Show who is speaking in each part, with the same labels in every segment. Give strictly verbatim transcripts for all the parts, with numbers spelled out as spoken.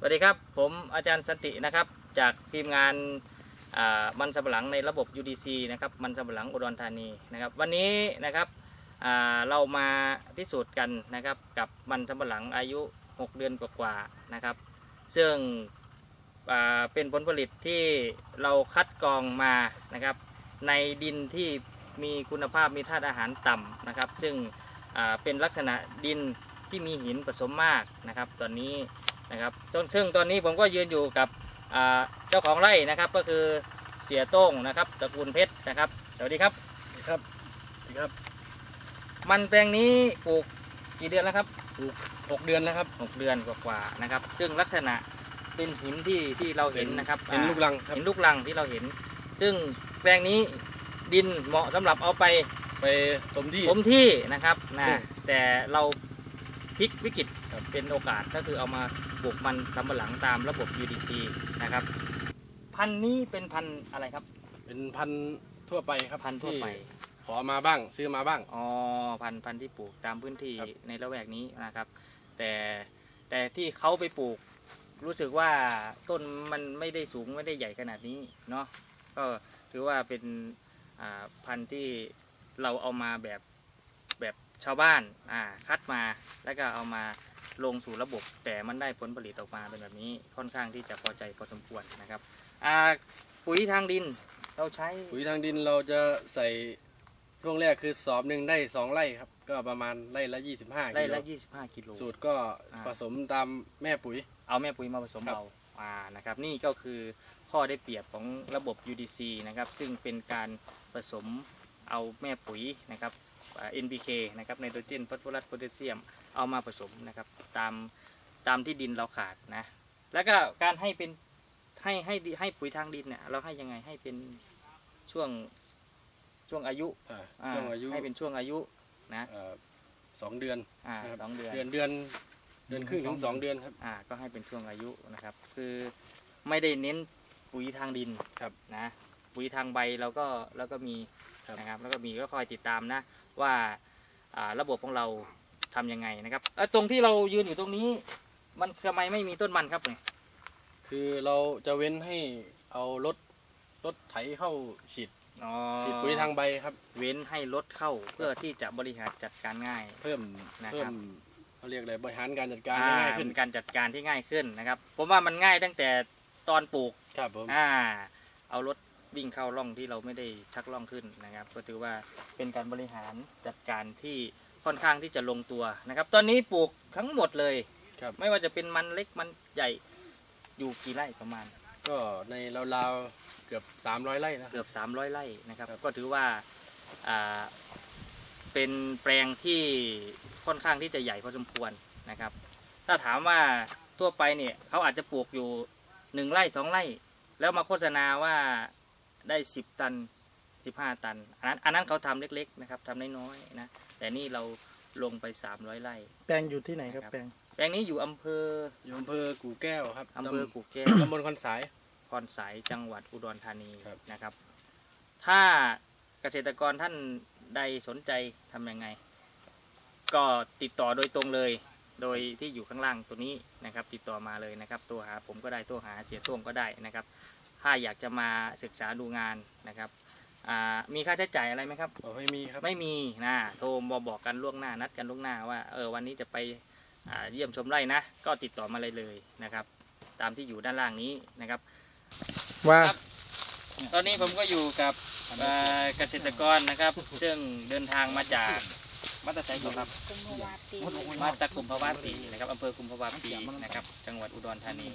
Speaker 1: วัสดีครับผมอาจารย์สันตินะครับจากทีมงานมันสำปะหลังในระบบ ยู ดี ซี นะครับมันสำปะหลังอุดรธานีนะครับวันนี้นะครับเรามาพิสูจน์กันนะครับกับมันสำปะหลังอายุหกเดือนกว่าๆนะครับซึ่งเป็นผลผลิตที่เราคัดกรองมานะครับในดินที่มีคุณภาพมีธาตุอาหารต่ำนะครับซึ่งเป็นลักษณะดินที่มีหินผสมมากนะครับตอนนี้นะครับซึ่งตอนนี้ผมก็ยืนอยู่กับเจ้าของไร่นะครับก็คือเสียโต้งนะครับตระกูลเพชรนะครับสวัสดีครับ
Speaker 2: ครับครับ
Speaker 1: มันแปลงนี้ปลูกกี่เดือนแล้วครับ
Speaker 2: ปลูกหกเดือนแล้วครับ
Speaker 1: หกเดือนกว่าๆนะครับซึ่งลักษณะเป็นหินที่ที่เราเห็นนะครับ
Speaker 2: เห็นลูกรัง
Speaker 1: เห็นลูกรังที่เราเห็นซึ่งแปลงนี้ดินเหมาะสำหรับเอาไป
Speaker 2: ไปถมที่
Speaker 1: ถมที่นะครับนะแต่เราพลิกวิกฤตเป็นโอกาสก็คือเอามาปลูกมันสำปะหลังตามระบบ ยู ดี ซี นะครับพันธุ์นี้เป็นพันธุ์อะไรครับ
Speaker 2: เป็นพันธุ์ทั่วไปครับ
Speaker 1: พันธุ์ทั่วไป
Speaker 2: ขอมาบ้างซื้อมาบ้าง
Speaker 1: อ๋อพันธุ์พันธุ์ที่ปลูกตามพื้นที่ในละแวกนี้นะครับแต่แต่ที่เขาไปปลูกรู้สึกว่าต้นมันไม่ได้สูงไม่ได้ใหญ่ขนาดนี้เนาะก็ถือว่าเป็นพันธุ์ที่เราเอามาแบบแบบชาวบ้านอ่าคัดมาแล้วก็เอามาลงสู่ระบบแต่มันได้ผลผลิตออกมาเป็นแบบนี้ค่อนข้างที่จะพอใจพอสมควรนะครับปุ๋ยทางดินเราใช้
Speaker 2: ปุ๋ยทางดินเราจะใส่ช่วงแรกคือสอบหนึ่งได้สองไร่ครับก็ประมาณไร่ละยี่สิบห้า
Speaker 1: ไร่ละยี่สิบห้ากิโล
Speaker 2: สูตรก็ผสมตามแม่ปุ๋ย
Speaker 1: เอาแม่ปุ๋ยมาผสมเอาอ่านะครับนี่ก็คือข้อได้เปรียบของระบบ ยู ดี ซี นะครับซึ่งเป็นการผสมเอาแม่ปุ๋ยนะครับ เอ็น พี เค นะครับไนโตรเจนฟอสฟอรัสโพแทสเซียมเอามาผสมนะครับตามตามที่ดินเราขาดนะแล้วก็การให้เป็นให้ให้ให้ปุ๋ยทางดินเนี่ยเราให้ยังไงให้เป็นช่วงช่วงอายุ
Speaker 2: ช่วงอายุ
Speaker 1: ให้เป็นช่วงอายุนะ
Speaker 2: สองเดือน
Speaker 1: อ่าสองเดือน
Speaker 2: เดือนเดือนเดือนครึ่งถึงสองเดือนครับ
Speaker 1: อ่าก็ให้เป็นช่วงอายุนะครับคือไม่ได้เน้นปุ๋ยทางดิน
Speaker 2: ครับ
Speaker 1: นะปุ๋ยทางใบเราก็แล้วก็มีนะครับแล้วก็มีก็คอยติดตามนะว่าระบบของเราทำยังไงนะครับตรงที่เรายืนอยู่ตรงนี้มันทำไมไม่มีต้นมันครับเนี่ย
Speaker 2: คือเราจะเว้นให้เอารถรถไถเข้าฉีดฉีดปุ๋ยทางใบครับ
Speaker 1: เว้นให้รถเข้าเพื่อที่จะบริหารจัดการง่าย
Speaker 2: เพิ่มเพิ่มเขาเรียกอะไรบริหารการจัดการง่ายขึ้น
Speaker 1: การจัดการที่ง่ายขึ้นนะครับผมว่ามันง่ายตั้งแต่ตอนปลูก
Speaker 2: ครับผม
Speaker 1: อ่าเอารถวิ่งเข้าร่องที่เราไม่ได้ชักร่องขึ้นนะครับก็ถือว่าเป็นการบริหารจัดการที่ค่อนข้างที่จะลงตัวนะครับตอนนี้ปลูกทั้งหมดเลย
Speaker 2: ครับ
Speaker 1: ไม่ว่าจะเป็นมันเล็กมันใหญ่อยู่กี่ไร่ประมาณ
Speaker 2: ก็ในราวๆเกือบสามร้อยไร่นะ
Speaker 1: เกือบสามร้อยไร่นะครับก็ถือว่าอ่าเป็นแปลงที่ค่อนข้างที่จะใหญ่พอสมควรนะครับถ้าถามว่าทั่วไปเนี่ยเขาอาจจะปลูกอยู่หนึ่งไร่สองไร่แล้วมาโฆษณาว่าได้สิบตันสิบห้าตันอันนั้นอันนั้นเขาทำเล็กๆนะครับทำน้อยๆนะแต่นี่เราลงไปสามร้อยไร่
Speaker 3: แปลงอยู่ที่ไหนครับแปลง
Speaker 1: แปลงนี้อยู่อำเภอ
Speaker 2: อยู่อำเภอกู่แก้วครับ
Speaker 1: อำเภอกู่แก้ว
Speaker 2: ตำบลคอนสาย
Speaker 1: คอนสายจังหวัดอุดรธานีนะครับถ้าเกษตรกรท่านใดสนใจทำยังไงก็ติดต่อโดยตรงเลยโดยที่อยู่ข้างล่างตัวนี้นะครับติดต่อมาเลยนะครับตัวหาผมก็ได้ตัวหาเสียต้วงก็ได้นะครับถ้าอยากจะมาศึกษาดูงานนะครับมีค่าใช้จ่ายอะไรไหมครับ
Speaker 2: ไม่มีครับ
Speaker 1: ไม่มีนะโทรมาบอกกันล่วงหน้านัดกันล่วงหน้าว่าเออวันนี้จะไปเยี่ยมชมไร่นะก็ติดต่อมาเลยเลยนะครับตามที่อยู่ด้านล่างนี้นะครับ
Speaker 3: ว่า
Speaker 1: ตอนนี้ผมก็อยู่กับเกษตรกรนะครับซึ่งเดินทางมาจากมาตรไซค์ครับมาจากกุมภาวะปีนะครับอำเภอกุมภาวะปีนะครับจังหวัดอุดรธานี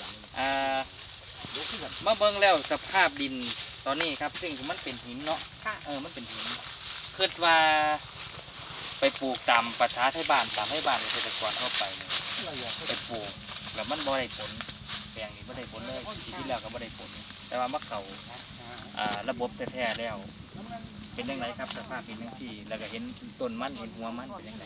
Speaker 1: มาเบิ่งแล้วสภาพดินตอนนี้ครับซึ่งมันเป็นหินเนาะเออมันเป็นหินคิดว่าไปปลูกตามประชาไทยบ้านตามให้บ้านเกษตรกรทั่วไปเนี่ยไปปลูกแล้วมันบ่ได้ผลแปลงนี้บ่ได้ผลเลยปีที่แล้วก็บ่ได้ผลแต่ว่ามะเขาระบบแท้ๆแล้วเป็นยังไงครับสภาพเป็นยังที่แล้วก็เห็นต้นมันเห็นหัวมันเป็นยังไง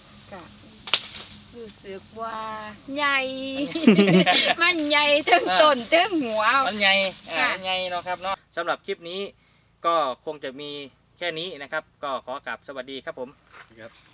Speaker 4: รู้สึกว่าใหญ่ มันใหญ่ทั้งต้นทั้งหัว
Speaker 1: มันใหญ่มันใหญ่เนาะครับเนาะสำหรับคลิปนี้ก็คงจะมีแค่นี้นะครับก็ขอกราบสวัสดีครับผม
Speaker 2: ครับ